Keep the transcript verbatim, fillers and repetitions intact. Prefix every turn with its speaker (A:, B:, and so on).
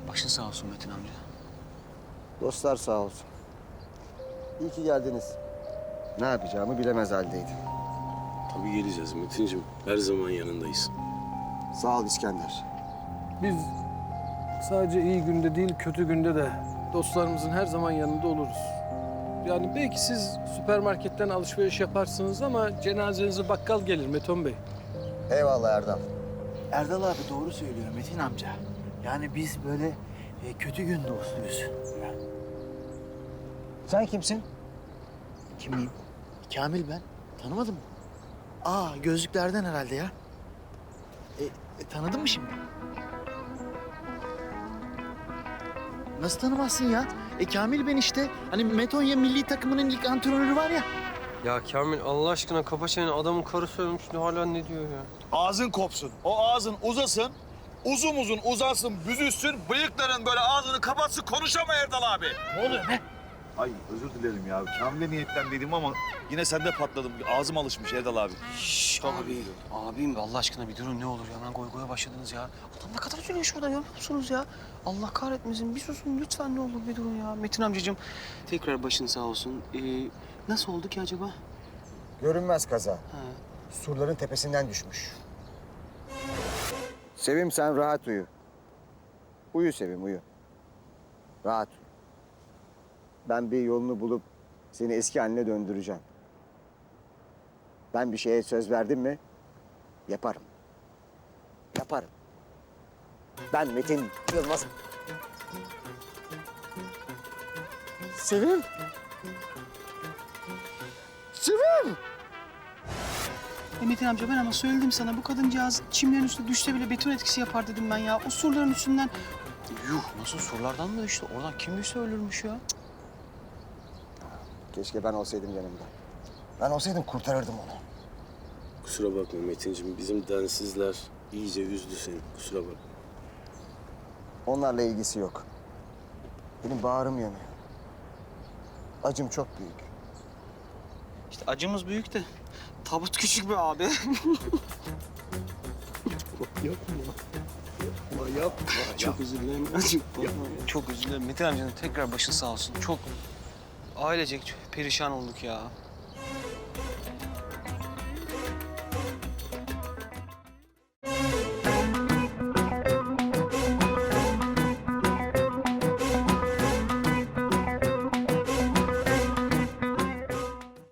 A: Başın sağ olsun Metin amca.
B: Dostlar sağ olsun. İyi ki geldiniz. Ne yapacağımı bilemez haldeydim.
C: Tabii geleceğiz Metin'cim. Her zaman yanındayız.
B: Sağ ol İskender.
D: Biz sadece iyi günde değil, kötü günde de dostlarımızın her zaman yanında oluruz. Yani belki siz süpermarketten alışveriş yaparsınız ama cenazenize bakkal gelir Meton Bey.
B: Eyvallah Erdal.
E: Erdal abi doğru söylüyor Metin amca. Yani biz böyle e, kötü gün dostuyuz.
B: Sen kimsin?
E: Kimiyim? Kamil ben. Tanımadın mı? Aa gözlüklerden herhalde ya. E, e, tanıdın mı şimdi? Nasıl tanımazsın ya? E Kamil ben işte. Hani Metonya milli takımının ilk antrenörü var ya.
F: Ya Kamil Allah aşkına kapa çeneni. Adamın karısı ölmüş. Hala ne diyor ya?
G: Ağzın kopsun. O ağzın uzasın. Uzun uzun uzansın, büzülsün. Bıyıkların böyle ağzını kapatsın. Konuşama Erdal abi.
E: Ne oluyor be?
G: Ay özür dilerim ya. Kamil'e niyetlendiydim ama yine sende patladım. Ağzım alışmış Erdal abi.
A: Şşş abi. Abim Allah aşkına bir durun ne olur ya. Hemen goy goya başladınız ya. Adam ne kadar üzülüyor şurada görmüyor musunuz ya? Allah kahretmesin. Bir susun lütfen ne olur bir durun ya. Metin amcacığım tekrar başın sağ olsun. Ee, nasıl oldu ki acaba?
B: Görünmez kaza.
A: Ha.
B: Surların tepesinden düşmüş. Sevim sen rahat uyu. Uyu Sevim uyu. Rahat uyu. Ben bir yolunu bulup seni eski haline döndüreceğim. Ben bir şeye söz verdim mi yaparım. Yaparım. Ben Metin Yılmaz. Sevim. Sevim.
A: E Metin amca ben ama söyledim sana bu kadıncağız çimlerin üstüne düşse bile beton etkisi yapar dedim ben ya. O surların üstünden... Yuh nasıl surlardan da işte oradan kim düşse ölürmüş ya.
B: Keşke ben olsaydım yanımda. Ben olsaydım kurtarırdım onu.
C: Kusura bakma Metin'cim. Bizim densizler iyice üzdü seni. Kusura bakma.
B: Onlarla ilgisi yok. Benim bağrım yanıyor. Acım çok büyük.
A: İşte acımız büyük de tabut küçük be abi. Çok özür dilerim. Acım. Çok özür dilerim. Metin amcanın tekrar başın sağ olsun. Çok ailecek perişan olduk ya.